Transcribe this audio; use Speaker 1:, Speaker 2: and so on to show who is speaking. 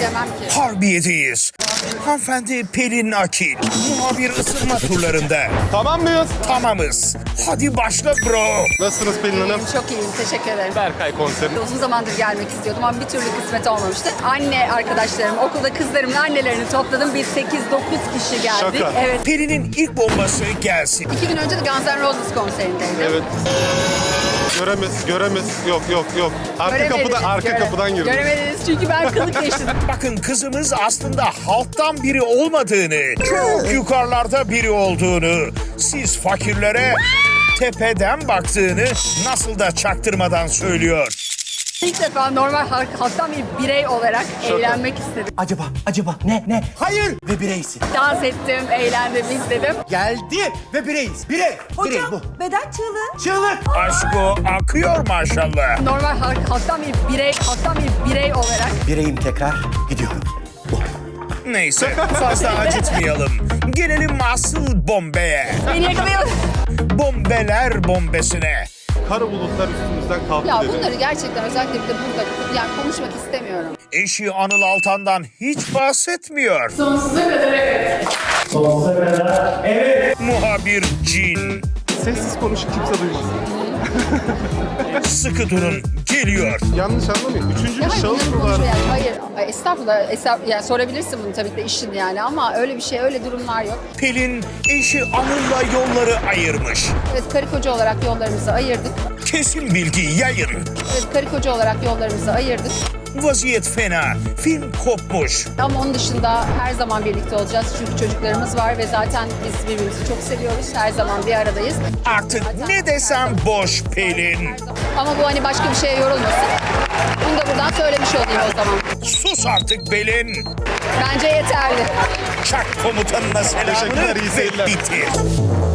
Speaker 1: bilemem ki.
Speaker 2: Harbiye'deyiz. Hanımefendi Pelin Akil. Muhabir ısınma turlarında.
Speaker 3: Tamam mıyız?
Speaker 2: Tamamız. Hadi başla bro.
Speaker 3: Nasılsınız Pelin Hanım?
Speaker 1: Çok iyiyim, teşekkür ederim.
Speaker 3: Berkay konseri.
Speaker 1: Uzun zamandır gelmek istiyordum ama bir türlü kısmet olmamıştı. Anne arkadaşlarım, okulda kızlarımın annelerini topladım. Biz 8-9 kişi geldik.
Speaker 3: Şaka.
Speaker 1: Evet.
Speaker 2: Pelin'in ilk bombası gelsin.
Speaker 1: 2 gün önce de Guns N' Roses konserindeydim.
Speaker 3: Evet. Göremez. Yok. Arka kapıdan girdim.
Speaker 1: Göremediniz çünkü ben kılık değiştirdim.
Speaker 2: Bakın kızımız aslında halktan biri olmadığını, çok yukarılarda biri olduğunu, siz fakirlere tepeden baktığını nasıl da çaktırmadan söylüyor.
Speaker 1: İlk defa normal halktan bir birey olarak eğlenmek istedim.
Speaker 4: Acaba ne? Hayır ve bireysin.
Speaker 1: Dans ettim, eğlendim, izledim.
Speaker 4: Geldi ve bireyiz. Birey bu.
Speaker 5: Beden çığlığı.
Speaker 4: Çığlık.
Speaker 2: Aşko akıyor maşallah.
Speaker 1: Normal halktan bir birey olarak
Speaker 4: Bireyim tekrar gidiyorum.
Speaker 2: Neyse fazla acıtmayalım. Gelelim asıl bombeye.
Speaker 1: beni yakalayamadı.
Speaker 2: Bombeler bombesine.
Speaker 3: Kara bulutlar üstümüzden kalktı
Speaker 1: Ya
Speaker 3: dedi.
Speaker 1: bunları gerçekten özellikle bir de burada yani konuşmak istemiyorum.
Speaker 2: Eşi Anıl Altan'dan hiç bahsetmiyor.
Speaker 1: Sonsuza kadar evet.
Speaker 2: Muhabir Cin.
Speaker 3: Sessiz konuş kimse duymasın.
Speaker 2: Sıkı durun geliyor.
Speaker 3: Yanlış anlamayın. Üçüncü bir
Speaker 1: Hayır,
Speaker 3: şahıs
Speaker 1: bunları
Speaker 3: mı var?
Speaker 1: konuşuyor yani. Hayır, estağfurullah. Yani sorabilirsin bunu tabii ki de işin yani ama öyle bir şey, öyle durumlar yok.
Speaker 2: Pelin eşi Anıl'la yolları ayırmış.
Speaker 1: Evet, karı koca olarak yollarımızı ayırdık.
Speaker 2: Kesin bilgi yayın.
Speaker 1: Evet, karı koca olarak yollarımızı ayırdık.
Speaker 2: Vaziyet fena. Film kopmuş.
Speaker 1: Ama onun dışında her zaman birlikte olacağız. Çünkü çocuklarımız var ve zaten biz birbirimizi çok seviyoruz. Her zaman bir aradayız.
Speaker 2: Artık ne desem boş Pelin.
Speaker 1: Ama bu hani başka bir şeye yorulmasın. Bunu da buradan söylemiş olayım o zaman.
Speaker 2: Sus artık Pelin.
Speaker 1: Bence yeterli.
Speaker 2: Çak komutanına selamını
Speaker 3: Teşekkürler, iyi
Speaker 2: ve
Speaker 3: seyirler.
Speaker 2: bitir.